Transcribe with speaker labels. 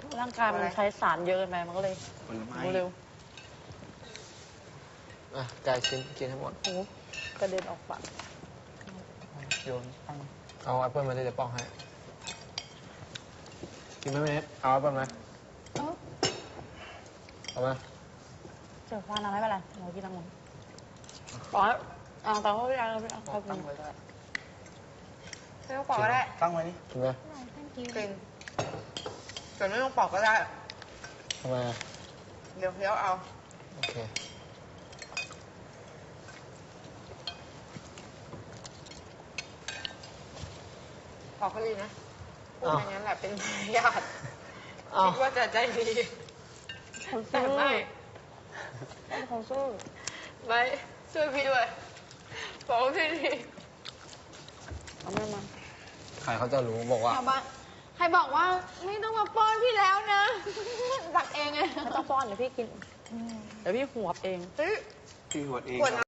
Speaker 1: ร่างกายมันใช้สารเยอะไปมันก็เลย
Speaker 2: ผลไม้
Speaker 1: เร็ว
Speaker 3: อ่ะไก่ชิ้นกินให้หมด
Speaker 1: โอ้โหกระเด็นออกปาก
Speaker 2: โยนตั้ง
Speaker 3: เอาแอปเปิ้ลมาที่จะป้องให้กินไหมเมสเอาแอปเปิ้ลไหมเอาไหม
Speaker 1: เจอควาน้ำไม่เป็นไรเรากินน้ำมันปล่อยเอาแต่ว่าพี่อาร์พี่อาร์เขากิ
Speaker 2: ตั้
Speaker 1: น
Speaker 2: งไว้ก็ได้
Speaker 4: ไม่ต้องปอกก็ได้
Speaker 2: ตั้งไว้นี่
Speaker 3: กินไหม
Speaker 4: กินแต่ไม่ต้องปอกก็ได้
Speaker 3: ทำไมอ่ะ
Speaker 4: เดี๋ยวเคี้ยวเอา
Speaker 3: โอเค
Speaker 4: ปอกก็ดีนะพูด
Speaker 3: อ้าว
Speaker 4: อย่างนั้นแหละเป็นญาติ
Speaker 3: อ้าว
Speaker 4: คิดว่าจะใจดี
Speaker 1: คน
Speaker 4: แต่
Speaker 1: สู้
Speaker 4: ไม่
Speaker 1: คนสู้
Speaker 4: ไม่ช่วยพี่ด้วยบอกว่าพี่ดี
Speaker 1: เอาไม่มา
Speaker 3: ใครเขาจะรู้บอกว่า
Speaker 4: ชาวบ้านใครบอกว่าไม่ต้องมาป้อนพี่แล้วนะตักเองไง
Speaker 1: ไม่ต้องป้อนเดี๋ยวพี่กินเดี๋ยวพี่หัวบเอง
Speaker 4: เฮ้ย
Speaker 2: พี่หวดเอง
Speaker 4: ขวดน้ำ